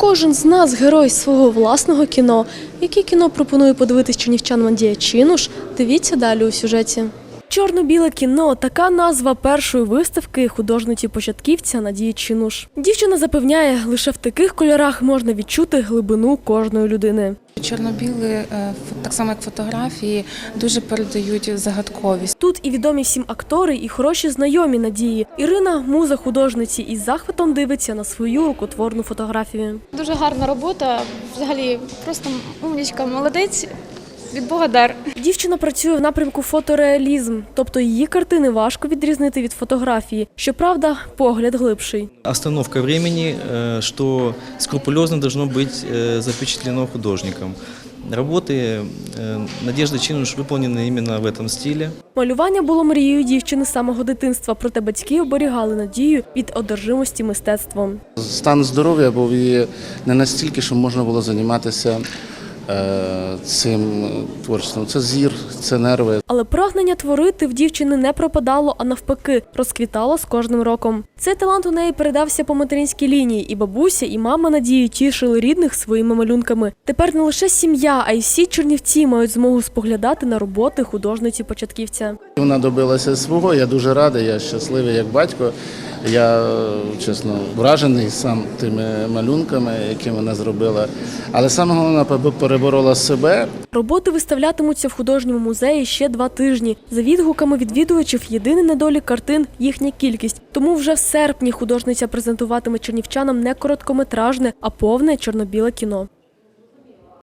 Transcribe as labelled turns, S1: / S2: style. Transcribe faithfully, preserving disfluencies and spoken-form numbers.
S1: Кожен з нас – герой свого власного кіно. Яке кіно пропонує подивитись чернівчанам Надія Чинуш? Дивіться далі у сюжеті. «Чорно-біле кіно» – така назва першої виставки художниці-початківця Надії Чинуш. Дівчина запевняє, лише в таких кольорах можна відчути глибину кожної людини.
S2: Чорно-білі, так само як фотографії, дуже передають загадковість.
S1: Тут і відомі всім актори, і хороші знайомі Надії. Ірина – муза художниці, із захватом дивиться на свою рукотворну фотографію.
S3: Дуже гарна робота, взагалі просто умнічка, молодець. Від Бога дар.
S1: Дівчина працює в напрямку фотореалізм, тобто її картини важко відрізнити від фотографії. Щоправда, погляд глибший.
S4: Остановка времени, что скрупулезно должно быть запечатлено художником. Роботи Надежди Чинуш виконані іменно в цьому стилі.
S1: Малювання було мрією дівчини з самого дитинства, проте батьки оберігали Надію від одержимості мистецтвом.
S5: Стан здоров'я був її не настільки, що можна було займатися цим творчеством. Це зір, це нерви.
S1: Але прагнення творити в дівчини не пропадало, а навпаки, розквітало з кожним роком. Цей талант у неї передався по материнській лінії, і бабуся, і мама Надії тішили рідних своїми малюнками. Тепер не лише сім'я, а й всі чернівці мають змогу споглядати на роботи художниці-початківця.
S5: Вона добилася свого, я дуже радий, я щасливий як батько. Я, чесно, вражений сам тими малюнками, які вона зробила. Але саме головне, переборола себе.
S1: Роботи виставлятимуться в художньому музеї ще два тижні. За відгуками відвідувачів, єдиний недолік картин – їхня кількість. Тому вже в серпні художниця презентуватиме чернівчанам не короткометражне, а повне чорно-біле кіно.